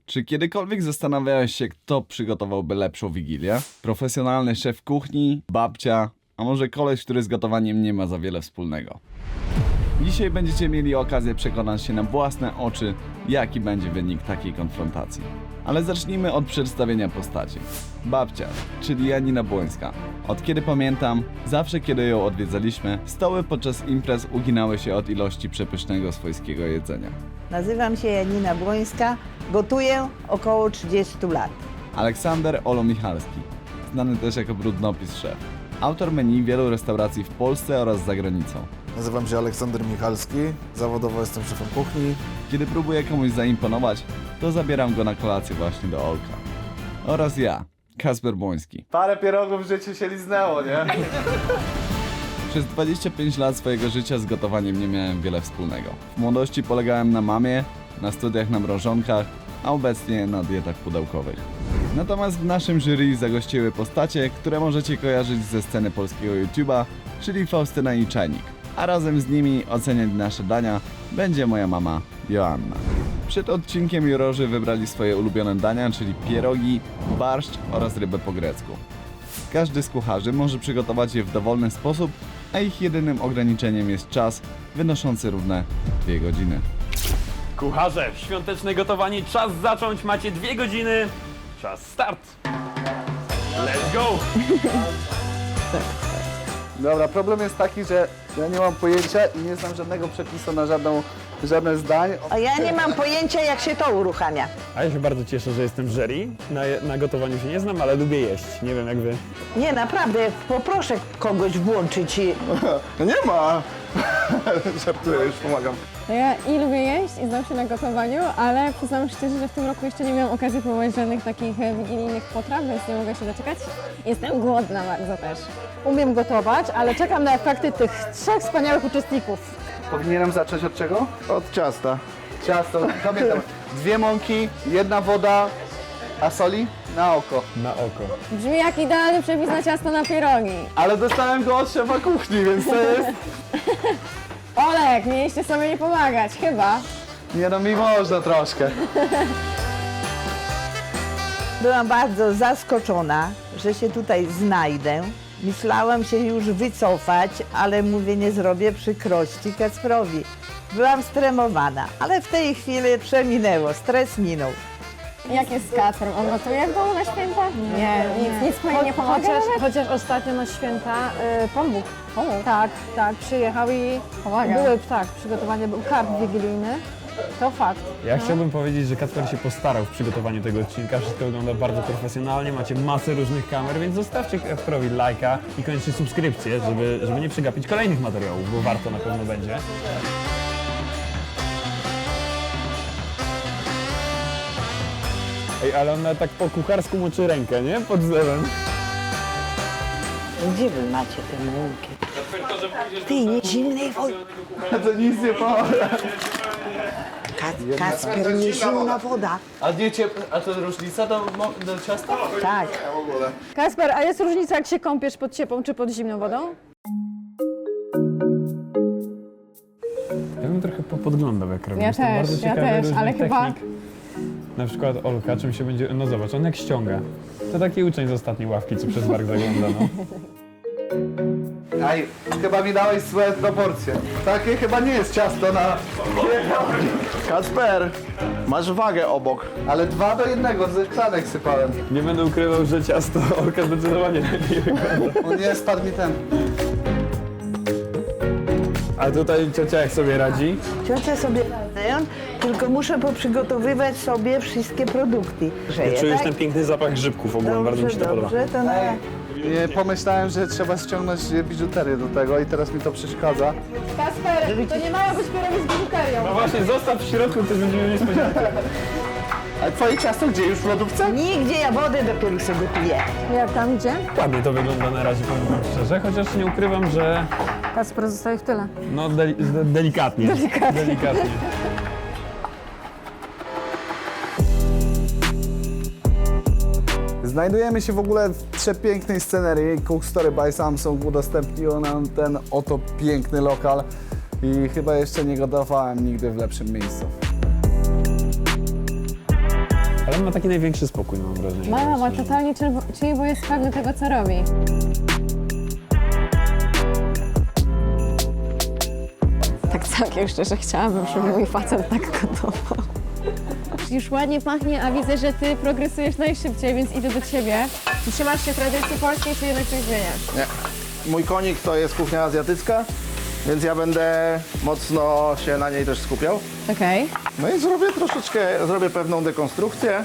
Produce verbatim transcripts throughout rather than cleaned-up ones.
Czy kiedykolwiek zastanawiałeś się, kto przygotowałby lepszą wigilię? Profesjonalny szef kuchni, babcia, a może koleś, który z gotowaniem nie ma za wiele wspólnego? Dzisiaj będziecie mieli okazję przekonać się na własne oczy, jaki będzie wynik takiej konfrontacji. Ale zacznijmy od przedstawienia postaci. Babcia, czyli Janina Błońska. Od kiedy pamiętam, zawsze kiedy ją odwiedzaliśmy, stoły podczas imprez uginały się od ilości przepysznego swojskiego jedzenia. Nazywam się Janina Błońska, gotuję około trzydzieści lat. Aleksander Olo Michalski, znany też jako Brudnopis Szef. Autor menu wielu restauracji w Polsce oraz za granicą. Nazywam się Aleksander Michalski, zawodowo jestem szefem kuchni. Kiedy próbuję komuś zaimponować, to zabieram go na kolację właśnie do Olka. Oraz ja, Kasper Błoński. Parę pierogów w życiu się liznęło, nie? Przez dwadzieścia pięć lat swojego życia z gotowaniem nie miałem wiele wspólnego. W młodości polegałem na mamie, na studiach na mrożonkach, a obecnie na dietach pudełkowych. Natomiast w naszym jury zagościły postacie, które możecie kojarzyć ze sceny polskiego YouTube'a, czyli Faustyna i Czajnik. A razem z nimi oceniać nasze dania będzie moja mama Joanna. Przed odcinkiem jurorzy wybrali swoje ulubione dania, czyli pierogi, barszcz oraz rybę po grecku. Każdy z kucharzy może przygotować je w dowolny sposób, a ich jedynym ograniczeniem jest czas wynoszący równe dwie godziny. Kucharze, świąteczne gotowanie, czas zacząć, macie dwie godziny, czas start! Let's go! Dobra, problem jest taki, że ja nie mam pojęcia i nie znam żadnego przepisu na żadną, żadne zdań. A ja nie mam pojęcia, jak się to uruchamia. A ja się bardzo cieszę, że jestem w jury. Na, na gotowaniu się nie znam, ale lubię jeść. Nie wiem jak wy. Nie, naprawdę, poproszę kogoś włączyć i... No nie ma! Żartuję, już pomagam. No ja i lubię jeść i znam się na gotowaniu, ale przyznam szczerze, że w tym roku jeszcze nie miałam okazji próbować żadnych takich e, wigilijnych potraw, więc nie mogę się doczekać. Jestem głodna bardzo też. Umiem gotować, ale czekam na efekty tych trzech wspaniałych uczestników. Powinienem zacząć od czego? Od ciasta. Ciasto, pamiętam. Dwie mąki, jedna woda, a soli? Na oko. Na oko. Brzmi jak idealny przepis na ciasto na pierogi. Ale dostałem go od szefa kuchni, więc to jest... Olek, mieliście sobie nie pomagać, chyba. Nie no, mi można troszkę. Byłam bardzo zaskoczona, że się tutaj znajdę. Myślałam się już wycofać, ale mówię, nie zrobię przykrości Kacprowi. Byłam stremowana, ale w tej chwili przeminęło, stres minął. Jak jest z Kacprem? On gotuje w domu na święta? Nie, nic, nic mu nie pomaga Chociaż, nawet? chociaż ostatnio na święta y, pomógł. Pomógł? Tak, tak, przyjechał i Pomaga. były, tak, przygotowanie, był karp wigilijny. To fakt. Ja chciałbym powiedzieć, że Kacper się postarał w przygotowaniu tego odcinka. Wszystko wygląda bardzo profesjonalnie, macie masę różnych kamer, więc zostawcie Kacperowi lajka i koniecznie subskrypcję, żeby, żeby nie przegapić kolejnych materiałów, bo warto na pewno będzie. Ej, ale ona tak po kucharsku moczy rękę, nie? Pod zlewem. Gdzie wy macie te mąki? Ty, nie zimnej wody. To nic nie pomaga. Kacper, nie zimna woda. A nie ciep... A to różnica do, do ciasta? Tak. Kasper, a jest różnica, jak się kąpiesz pod ciepłą czy pod zimną wodą? Ja bym trochę popodglądał, jak robię. Ja Jestem też, bardzo ja ciekawy też, różnych ale chyba- technik. Na przykład Olka, czym się będzie... No zobacz, on jak ściąga. To taki uczeń z ostatniej ławki, co przez bark zagląda, no. Aj, chyba mi dałeś złe proporcje. Takie chyba nie jest ciasto na... Kacper, masz wagę obok. Ale dwa do jednego, z klanek sypałem. Nie będę ukrywał, że ciasto Olka zdecydowanie lepiej wygląda. O nie, spadł mi ten. A tutaj ciocia jak sobie radzi? Ciocia sobie radzę, tylko muszę poprzygotowywać sobie wszystkie produkty. Ja czuję już ten piękny zapach grzybków ogólnie, bardzo mi się to podoba. dobrze, to na... Nie, pomyślałem, że trzeba ściągnąć biżuterię do tego i teraz mi to przeszkadza. Kasper, to nie mają być pierogi z biżuterią. No właśnie, zostaw w środku, też będzie miał niespodziankę. A twoje ciasto gdzie? Już w lodówce? Nigdzie ja wodę dopiero sobie gotuję. Jak tam idzie? Ładnie to wygląda na razie, powiem wam szczerze, chociaż nie ukrywam, że Kasper zostaje w tyle. no deli de delikatnie. Delikatnie. delikatnie. Znajdujemy się w ogóle w przepięknej scenerii. Cook Story by Samsung udostępniło nam ten oto piękny lokal i chyba jeszcze nie gotowałem nigdy w lepszym miejscu. on ma taki największy spokój, mam wrażenie. Mama, Właśnie. totalnie czyli, bo jest pewny tego, co robi. Tak całkiem szczerze chciałabym, żeby mój facet tak gotował. Już ładnie pachnie, a widzę, że ty progresujesz najszybciej, więc idę do ciebie. Trzymasz się tradycji polskiej, czy jednak coś zmieniasz? Nie. Mój konik to jest kuchnia azjatycka, więc ja będę mocno się na niej też skupiał. Okej. No i zrobię troszeczkę, zrobię pewną dekonstrukcję.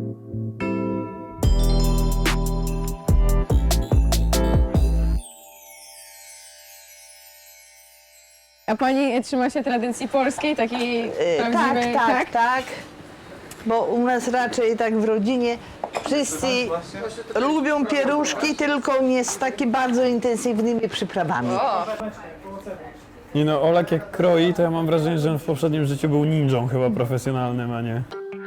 A pani trzyma się tradycji polskiej, takiej E, tak, prawdziwej, tak, tak. Bo u nas raczej tak w rodzinie wszyscy lubią pieruszki, tylko nie z takimi bardzo intensywnymi przyprawami. Nie no, Olek jak kroi, to ja mam wrażenie, że on w poprzednim życiu był ninją chyba profesjonalnym, a nie.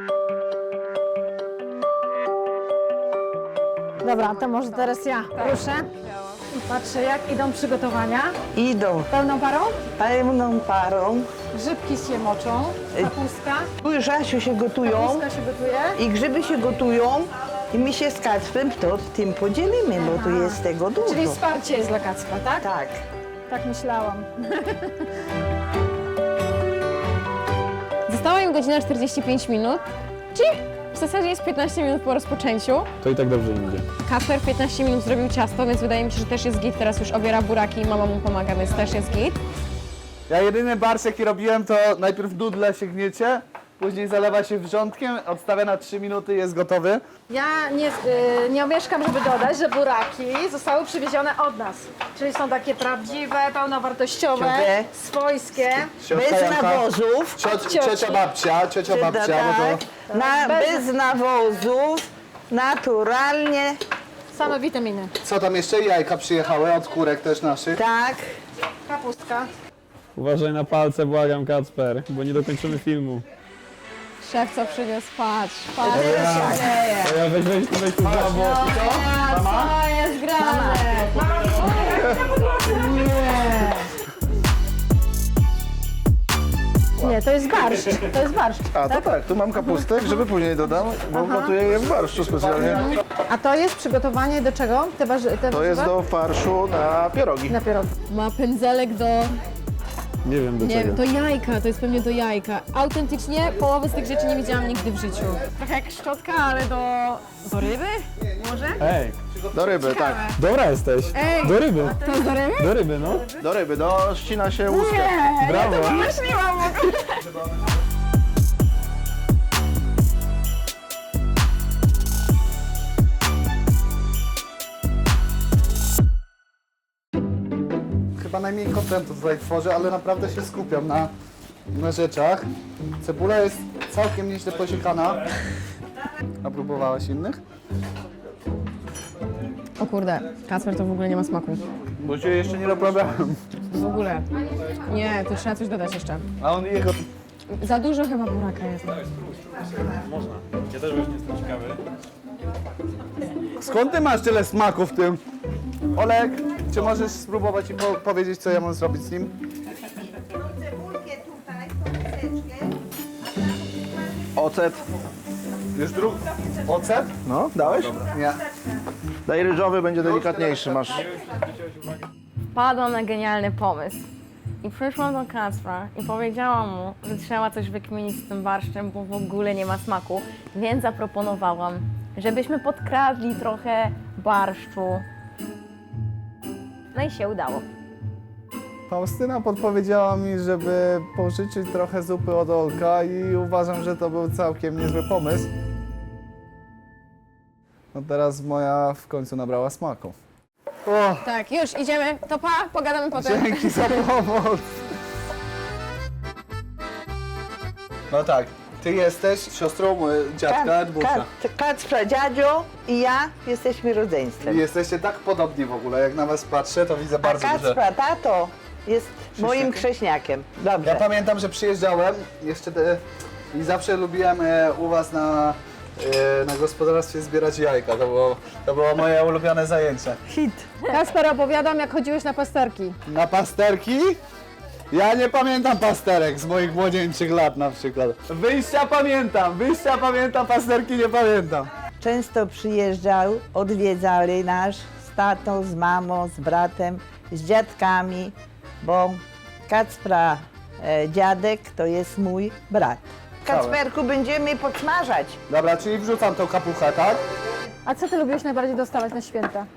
Dobra, to może teraz ja ruszę. I patrzę, jak idą przygotowania. Idą Pełną parą? pełną parą. Grzybki się moczą, kapustka. Tu już Asiu się gotują Kapustka się gotuje. i grzyby się gotują i my się z Kacprem to tym podzielimy, bo tu jest tego dużo. Czyli wsparcie jest dla Kacpra, tak? Tak. Tak myślałam. Została im godzina czterdzieści pięć minut, czyli w zasadzie jest piętnaście minut po rozpoczęciu. To i tak dobrze im idzie. Kacper w piętnaście minut zrobił ciasto, więc wydaje mi się, że też jest git. Teraz już obiera buraki i mama mu pomaga, więc też jest git. Ja jedyny barszcz jaki robiłem to najpierw dudle się gniecie, później zalewa się wrzątkiem, odstawia na trzy minuty i jest gotowy. Ja nie, y, nie omieszkam, żeby dodać, że buraki zostały przywiezione od nas. Czyli są takie prawdziwe, pełnowartościowe, Ciągle. swojskie. Siostrza Bez Janka, nawozów. cioci, cioci. ciocia babcia, ciocia babcia, Tak, bo to... na, Bez- bez nawozów, naturalnie, Same witaminy. Co tam jeszcze? Jajka przyjechały od kurek też naszych. tak. Kapustka. Uważaj na palce, błagam, Kacper, bo nie dokończymy filmu. Szef co przyniósł, patrz, patrz. To ja weź, weź, weź tu za bok. Co jest grane? Nie, to jest barszcz. To jest barszcz. A to tak, tu mam kapustę, grzyby później dodam, bo gotuję je w barszczu specjalnie. A to jest przygotowanie do czego? Te, warzy- te To jest warzywa? do farszu na pierogi. Na pierogi. Ma pędzelek do, Nie wiem do nie czego. wiem, do jajka, to jest pewnie do jajka. Autentycznie połowy z tych rzeczy nie widziałam nigdy w życiu. Trochę jak szczotka, ale do, do ryby? Może? Ej, Do ryby, tak. dobra jesteś. Ej. Do ryby. To jest do ryby? Do ryby, no. Do ryby, do ścina się łuskę. Brawo. Myśliłam w ogóle. Chyba najmniej kontentu tutaj tworzę, ale naprawdę się skupiam na, na rzeczach. Cebula jest całkiem nieźle posiekana. A próbowałaś innych? O kurde, Kacper to w ogóle nie ma smaku. Bo się jeszcze nie naprawiałem. W ogóle. Nie, tu trzeba coś dodać jeszcze. A on jego... Za dużo chyba buraka jest. Ja też właśnie jestem ciekawy. Skąd ty masz tyle smaku w tym? Olek, czy możesz spróbować i po powiedzieć, co ja mam zrobić z nim? Ocet. Już drugi. Ocet? No, dałeś? Nie. Daj ryżowy, będzie delikatniejszy, masz. Wpadłam na genialny pomysł. I przyszłam do Kacpra i powiedziałam mu, że trzeba coś wykminić z tym barszczem, bo w ogóle nie ma smaku. Więc zaproponowałam, żebyśmy podkradli trochę barszczu. No i się udało. Faustyna podpowiedziała mi, żeby pożyczyć trochę zupy od Olka i uważam, że to był całkiem niezły pomysł. No teraz moja w końcu nabrała smaku. O, Tak, już idziemy. To pa, pogadamy potem. dzięki za pomoc. No tak, ty jesteś siostrą y, dziadka Edbusia. Ka- Kacpra dziadzio i ja jesteśmy rodzeństwem. I jesteście tak podobni w ogóle, jak na was patrzę, to widzę A bardzo duże... Kacpra tato jest moim krześniakiem. Dobrze. Ja pamiętam, że przyjeżdżałem jeszcze te, i zawsze lubiłem e, u was na, e, na gospodarstwie zbierać jajka. To było, to było moje ulubione zajęcie. Hit. Kacper, opowiadam, jak chodziłeś na pasterki. Na pasterki? Ja nie pamiętam pasterek z moich młodzieńczych lat na przykład. Wyjścia pamiętam, wyjścia pamiętam, pasterki nie pamiętam. Często przyjeżdżał, odwiedzali nas z tatą, z mamą, z bratem, z dziadkami, bo Kacpra e, dziadek to jest mój brat. Kacperku, będziemy podsmażać. Dobra, czyli wrzucam tą kapuchę, tak? A co ty lubiłeś najbardziej dostawać na święta?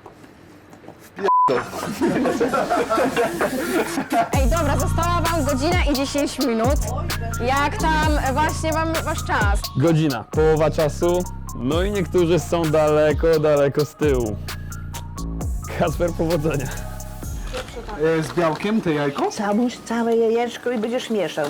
Ej, dobra, została wam godzina i dziesięć minut. Jak tam właśnie wam wasz czas? Godzina, połowa czasu, no i niektórzy są daleko, daleko z tyłu. Kacper, powodzenia. E, z białkiem, te jajko? Załóż całe jajeczko i będziesz mieszał.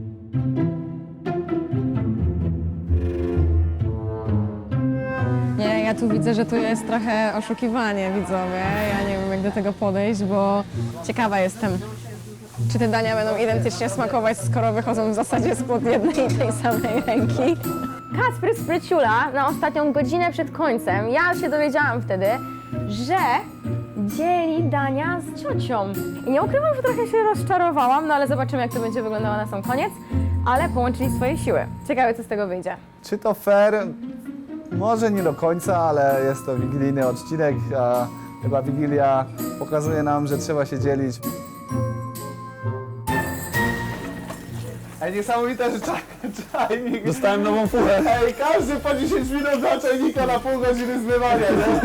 Nie, ja tu widzę, że tu jest trochę oszukiwanie, widzowie. Ja nie wiem, jak do tego podejść, bo ciekawa jestem, czy te dania będą identycznie smakować, skoro wychodzą w zasadzie spod jednej i tej samej ręki. Kacper spryciula na ostatnią godzinę przed końcem. Ja się dowiedziałam wtedy, że dzieli dania z ciocią. I nie ukrywam, że trochę się rozczarowałam, no ale zobaczymy, jak to będzie wyglądało na sam koniec. Ale połączyli swoje siły. Ciekawe, co z tego wyjdzie. Czy to fair? Może nie do końca, ale jest to wigilijny odcinek, a chyba Wigilia pokazuje nam, że trzeba się dzielić. Ej, niesamowite, że czaj, czajnik... Dostałem nową fuchę. Ej, każdy po dziesięć minut dla czajnika na pół godziny zmywania, nie?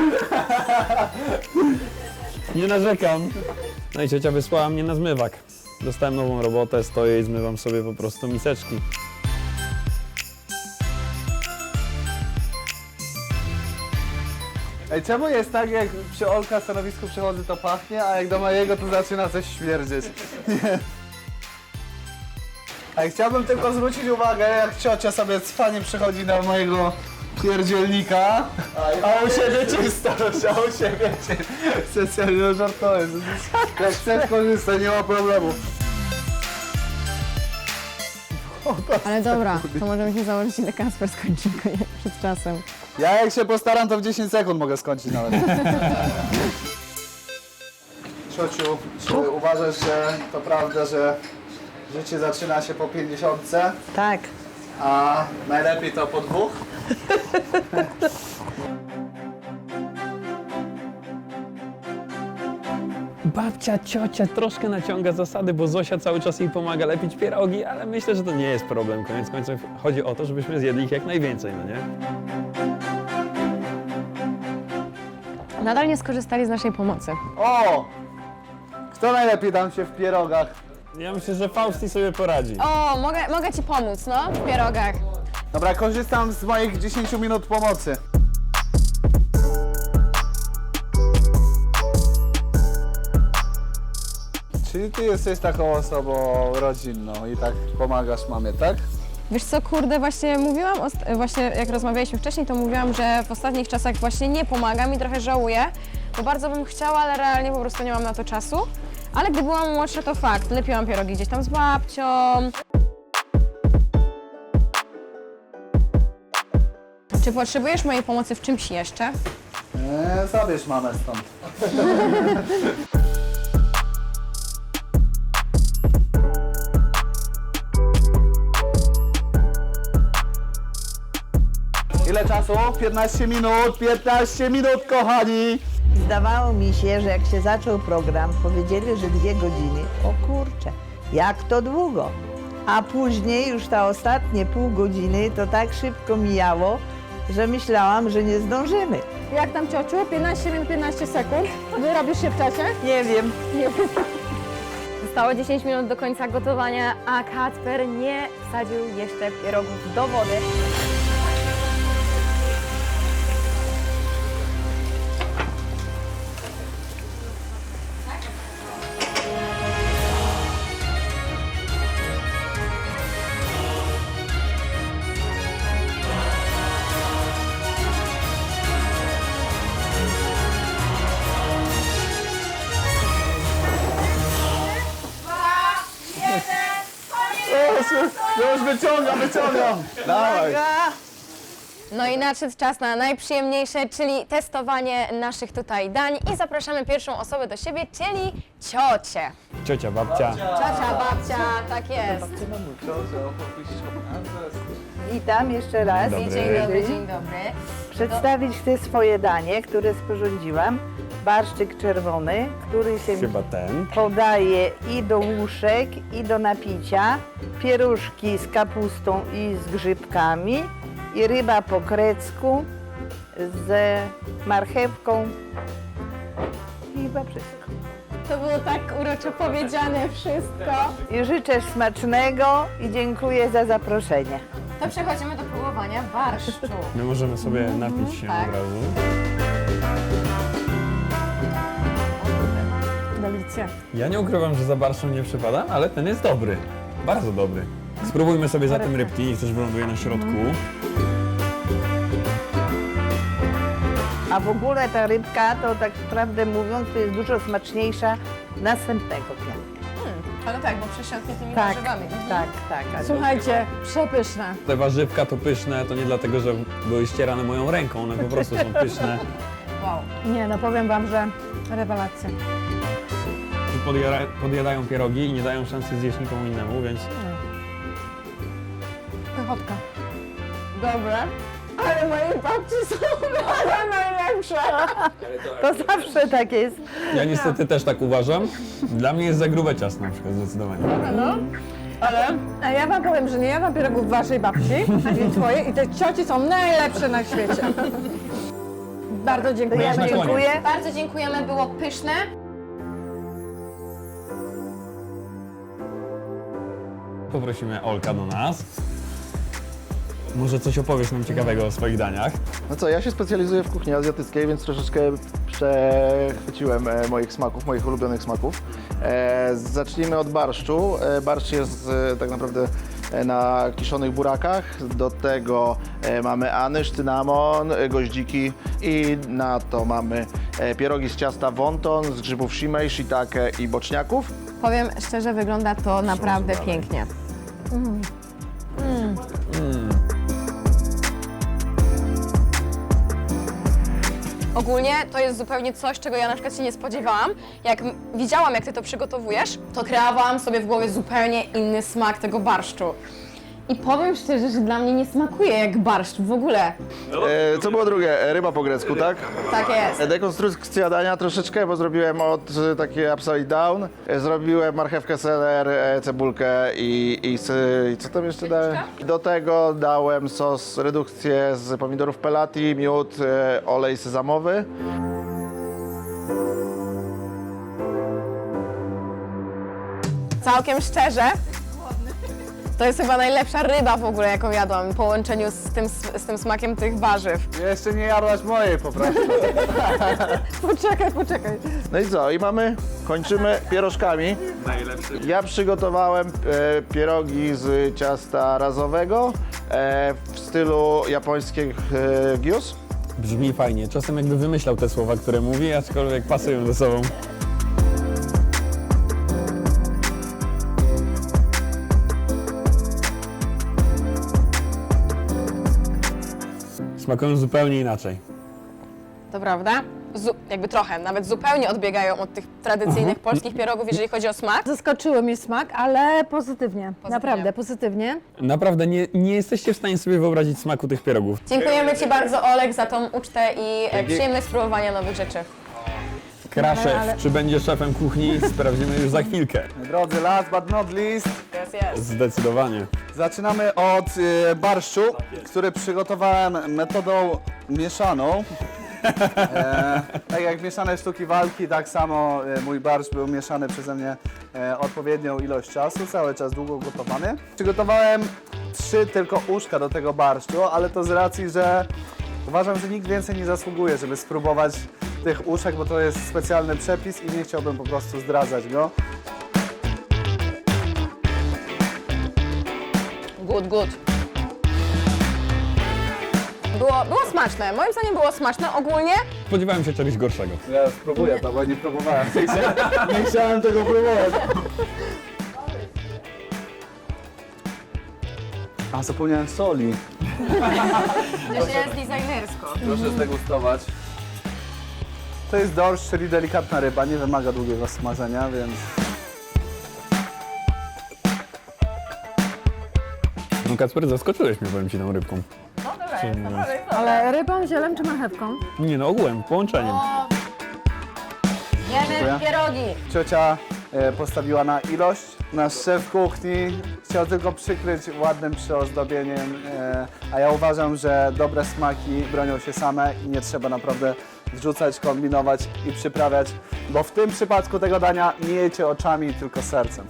Nie narzekam. No i ciocia wysłała mnie na zmywak. Dostałem nową robotę, stoję i zmywam sobie po prostu miseczki. Ej, czemu jest tak, jak przy Olka stanowisku przychodzę, to pachnie, a jak do mojego to zaczyna coś śmierdzieć? Nie. Ej, chciałbym tylko zwrócić uwagę, jak ciocia sobie cwanie przychodzi na mojego pierdzielnika, a u siebie czysto, a u siebie czysto. Specjalnie żartuję. Jak chcesz korzystać, nie ma problemu. Ale dobra, to możemy się założyć, ile Kacper skończy przed czasem. Ja jak się postaram, to w dziesięć sekund mogę skończyć nawet. Ciociu, czy uważasz, że to prawda, że życie zaczyna się po pięćdziesiątce, Tak. a najlepiej to po dwóch? Babcia, ciocia troszkę naciąga zasady, bo Zosia cały czas jej pomaga lepić pierogi, ale myślę, że to nie jest problem. Koniec końców chodzi o to, żebyśmy zjedli ich jak najwięcej, no nie? Nadal nie skorzystali z naszej pomocy. O! Kto najlepiej tam się w pierogach? Ja myślę, że Fausti sobie poradzi. O, mogę, mogę ci pomóc, no, w pierogach. Dobra, korzystam z moich dziesięciu minut pomocy. Czyli ty jesteś taką osobą rodzinną i tak pomagasz mamie, tak? Wiesz co, kurde, właśnie mówiłam, ost- właśnie jak rozmawialiśmy wcześniej, to mówiłam, że w ostatnich czasach właśnie nie pomagam i trochę żałuję, bo bardzo bym chciała, ale realnie po prostu nie mam na to czasu. Ale gdy byłam młodsza, to fakt, lepiłam pierogi gdzieś tam z babcią. Czy potrzebujesz mojej pomocy w czymś jeszcze? Eee, zabierz mamę stąd. Ile czasu? piętnaście minut, piętnaście minut, kochani! Zdawało mi się, że jak się zaczął program, powiedzieli, że dwie godziny. O kurczę, jak to długo. A później już ta ostatnie pół godziny to tak szybko mijało, że myślałam, że nie zdążymy. Jak tam ciociu? piętnaście minut, piętnaście sekund. Wyrobisz się w czasie? Nie wiem. Nie wiem. Zostało dziesięć minut do końca gotowania, a Kacper nie wsadził jeszcze pierogów do wody. Już wyciągam, wyciągam! Dawaj! No i nadszedł czas na najprzyjemniejsze, czyli testowanie naszych tutaj dań i zapraszamy pierwszą osobę do siebie, czyli ciocię. Ciocia, babcia. Ciocia, babcia, tak jest. Witam jeszcze raz. Dobry. Dzień dobry, dzień dobry. Przedstawić te swoje danie, które sporządziłam. Barszczyk czerwony, który się Chyba ten. podaje i do łuszek, i do napicia. Pieruszki z kapustą i z grzybkami. I ryba po grecku z marchewką. I chyba wszystko. To było tak uroczo powiedziane wszystko. I życzę smacznego i dziękuję za zaproszenie. To przechodzimy do próbowania barszczu. My możemy sobie napić się tak. od razu. Delicja. Ja nie ukrywam, że za barszczem nie przypadam, ale ten jest dobry. Bardzo dobry. Spróbujmy sobie zatem rybki, niech coś wyląduje na środku. A w ogóle ta rybka, to tak prawdę mówiąc, to jest dużo smaczniejsza następnego dnia. Ale tak, bo przesiąknie tymi Tak, warzywami. tak, tak. ale- Słuchajcie, przepyszne. Te warzywka to pyszne, to nie dlatego, że były ścierane moją ręką, one po prostu są pyszne. Wow. Nie, no powiem wam, że rewelacja. Podjada, podjadają pierogi i nie dają szansy zjeść nikomu innemu, więc Pychotka. Dobre. Ale moje babci są najlepsze. To zawsze tak jest. ja niestety też tak uważam. Dla mnie jest za grube ciasto na przykład, zdecydowanie. Ale a ja wam powiem, że nie jadłam pierogów waszej babci, ani twojej i te cioci są najlepsze na świecie. Bardzo To dziękuję. ja na koniec. dziękuję. Bardzo dziękujemy, było pyszne. Poprosimy Olka do nas. Może coś opowiesz nam ciekawego o swoich daniach. No co, ja się specjalizuję w kuchni azjatyckiej, więc troszeczkę przechwyciłem e, moich smaków, moich ulubionych smaków. E, zacznijmy od barszczu. E, barszcz jest e, tak naprawdę e, na kiszonych burakach. Do tego e, mamy anyż, cynamon, e, goździki i na to mamy e, pierogi z ciasta wonton, z grzybów shimei, shiitake i boczniaków. Powiem szczerze, wygląda to naprawdę pięknie. Ogólnie to jest zupełnie coś, czego ja na przykład się nie spodziewałam. Jak m- widziałam, jak ty to przygotowujesz, to kreowałam sobie w głowie zupełnie inny smak tego barszczu. I powiem szczerze, że dla mnie nie smakuje jak barszcz w ogóle. E, co było drugie? E, Ryba po grecku, tak? Tak jest. E, Dekonstrukcja dania troszeczkę, bo zrobiłem od e, takie upside down. E, Zrobiłem marchewkę, seler, e, cebulkę i, i, s- i co tam jeszcze dałem? Do tego dałem sos, redukcję z pomidorów pelati, miód, e, olej sezamowy. Całkiem szczerze, to jest chyba najlepsza ryba w ogóle, jaką jadłam w połączeniu z tym, z tym smakiem tych warzyw. Jeszcze nie jadłaś mojej po prostu. Poczekaj, poczekaj. No i co? I mamy, kończymy pierożkami. Ja przygotowałem e, pierogi z ciasta razowego e, w stylu japońskich e, gyus. Brzmi fajnie. Czasem jakby wymyślał te słowa, które mówi, aczkolwiek pasują ze sobą. Smakują zupełnie inaczej. To prawda? Zu- jakby trochę, nawet zupełnie odbiegają od tych tradycyjnych polskich pierogów, jeżeli chodzi o smak. Zaskoczyły mnie smak, ale pozytywnie. Naprawdę, pozytywnie. Naprawdę nie, nie jesteście w stanie sobie wyobrazić smaku tych pierogów. Dziękujemy Ci bardzo, Olek, za tą ucztę i e, przyjemność spróbowania nowych rzeczy. Kraszew, ale- czy będzie szefem kuchni, sprawdzimy już za chwilkę. Drodzy, last but not least, Jest, jest. Zdecydowanie. zaczynamy od y, barszczu, który przygotowałem metodą mieszaną. E, tak jak mieszane sztuki walki, tak samo e, mój barszcz był mieszany przeze mnie e, odpowiednią ilość czasu, cały czas długo gotowany. Przygotowałem trzy tylko uszka do tego barszczu, ale to z racji, że uważam, że nikt więcej nie zasługuje, żeby spróbować tych uszek, bo to jest specjalny przepis i nie chciałbym po prostu zdradzać go. Good, good. Było, było smaczne, moim zdaniem było smaczne ogólnie. Spodziewałem się czegoś gorszego. Ja spróbuję to, bo nie próbowałem. Nie chciałem, nie chciałem tego próbować. A, zapomniałem soli. To jest designersko. Proszę zdegustować. To jest dorsz, czyli delikatna ryba, nie wymaga długiego smażenia, więc... No Kacper, zaskoczyłeś mnie, powiem ci, tą rybką. No dobra, jest to Ale rybą, zielem czy marchewką? Nie no, ogółem, połączeniem. Jemy pierogi. Ciocia e, postawiła na ilość. Nasz szef kuchni chciał tylko przykryć ładnym przyozdobieniem, e, a ja uważam, że dobre smaki bronią się same i nie trzeba naprawdę wrzucać, kombinować i przyprawiać, bo w tym przypadku tego dania nie jecie oczami, tylko sercem.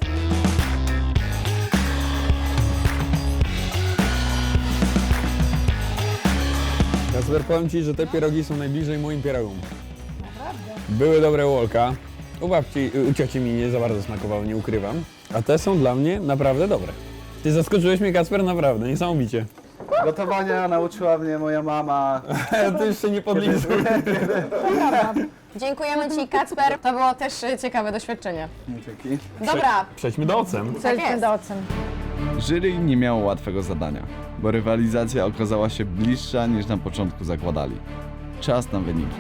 Kacper, powiem ci, że te pierogi są najbliżej moim pierogom. Naprawdę? Były dobre u Olka. U babci, u cioci mi nie za bardzo smakowały, nie ukrywam. A te są dla mnie naprawdę dobre. Ty zaskoczyłeś mnie, Kacper, naprawdę, niesamowicie. Gotowania nauczyła mnie moja mama. Ty jeszcze nie podlizuj. Dziękujemy Ci, Kacper. To było też y, ciekawe doświadczenie. Dzięki. Dobra, Przejdźmy do ocen. Przejdźmy jest. do ocen. Jury nie miało łatwego zadania, bo rywalizacja okazała się bliższa niż na początku zakładali. Czas na wyniki.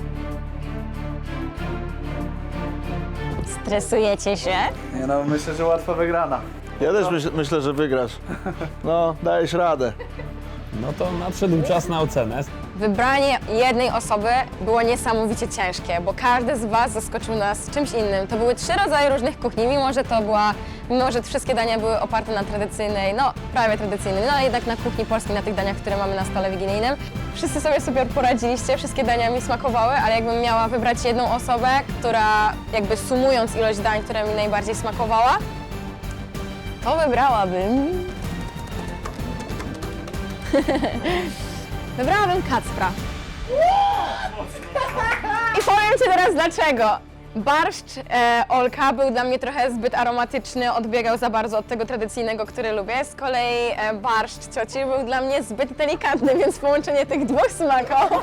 Stresujecie się? Nie no, myślę, że łatwo wygrana. Ja też myśl, myślę, że wygrasz. No, dajesz radę. No to nadszedł czas na ocenę. wybranie jednej osoby było niesamowicie ciężkie, bo każdy z Was zaskoczył nas czymś innym. To były trzy rodzaje różnych kuchni, mimo że to była, mimo że wszystkie dania były oparte na tradycyjnej, no prawie tradycyjnej, no ale jednak na kuchni polskiej, na tych daniach, które mamy na stole wigilijnym. Wszyscy sobie super poradziliście, wszystkie dania mi smakowały, ale jakbym miała wybrać jedną osobę, która jakby sumując ilość dań, która mi najbardziej smakowała, to wybrałabym... Wybrałabym Kacpra. I powiem Ci teraz dlaczego. Barszcz e, Olka był dla mnie trochę zbyt aromatyczny, odbiegał za bardzo od tego tradycyjnego, który lubię. Z kolei e, barszcz cioci był dla mnie zbyt delikatny, więc połączenie tych dwóch smaków.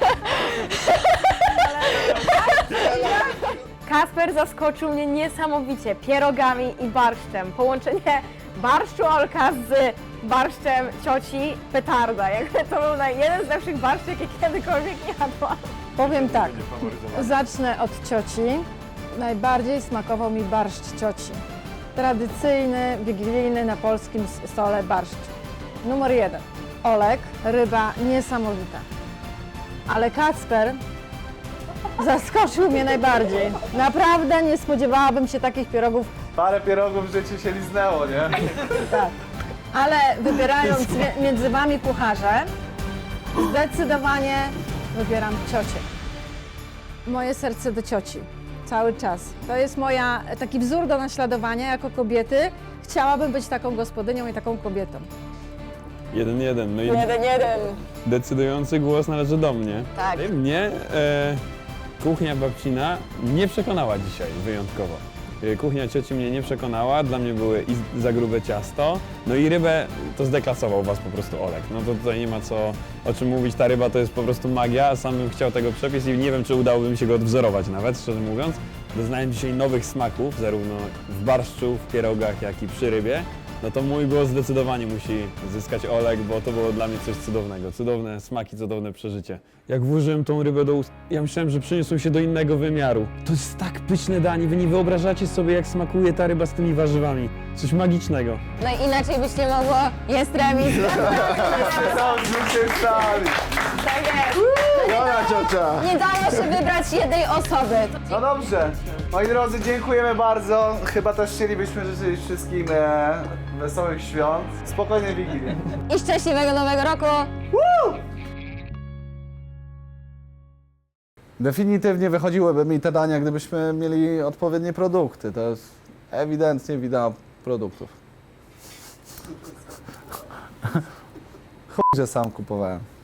Kasper zaskoczył mnie niesamowicie pierogami i barszczem. Połączenie barszczu Olka z barszczem cioci petarda. Jakby to był naj- jeden z lepszych barszczy, jakie kiedykolwiek jadłam. Powiem tak, zacznę od cioci. Najbardziej smakował mi barszcz cioci. Tradycyjny, wigilijny na polskim s- stole barszcz. Numer jeden. Olek, ryba niesamowita. Ale Kacper zaskoczył mnie najbardziej. Naprawdę nie spodziewałabym się takich pierogów, Parę pierogów w życiu się liznęło, nie? tak. Ale wybierając mi- między wami kucharze, zdecydowanie wybieram ciocię. Moje serce do cioci. Cały czas. To jest moja, taki wzór do naśladowania jako kobiety. Chciałabym być taką gospodynią i taką kobietą. Jeden, jeden. No i Jeden, jeden. decydujący głos należy do mnie. Tak. I mnie e, kuchnia babcina nie przekonała dzisiaj wyjątkowo. E, Kuchnia cioci mnie nie przekonała, dla mnie były i za grube ciasto. No i rybę to zdeklasował was po prostu Olek. No to tutaj nie ma co o czym mówić, ta ryba to jest po prostu magia, a sam bym chciał tego przepis i nie wiem, czy udałoby mi się go odwzorować nawet, szczerze mówiąc. Doznałem dzisiaj nowych smaków, zarówno w barszczu, w pierogach, jak i przy rybie. No to mój głos zdecydowanie musi zyskać Olek, bo to było dla mnie coś cudownego. Cudowne smaki, cudowne przeżycie. Jak włożyłem tą rybę do ust, ja myślałem, że przeniosą się do innego wymiaru. To jest tak pyszne danie, wy nie wyobrażacie sobie, jak smakuje ta ryba z tymi warzywami. Coś magicznego. No i inaczej byś nie mogło. Jest remis. Co zwyciężali? Tak jest. Dobra, ciocia! Nie dało się wybrać jednej osoby. No dobrze. Moi drodzy, dziękujemy bardzo. Chyba też chcielibyśmy życzyć wszystkim e, wesołych świąt. Spokojnej Wigilii. I szczęśliwego nowego roku. Definitywnie wychodziłyby mi te dania, gdybyśmy mieli odpowiednie produkty. To jest ewidentnie wina produktów. Chuj, że sam kupowałem.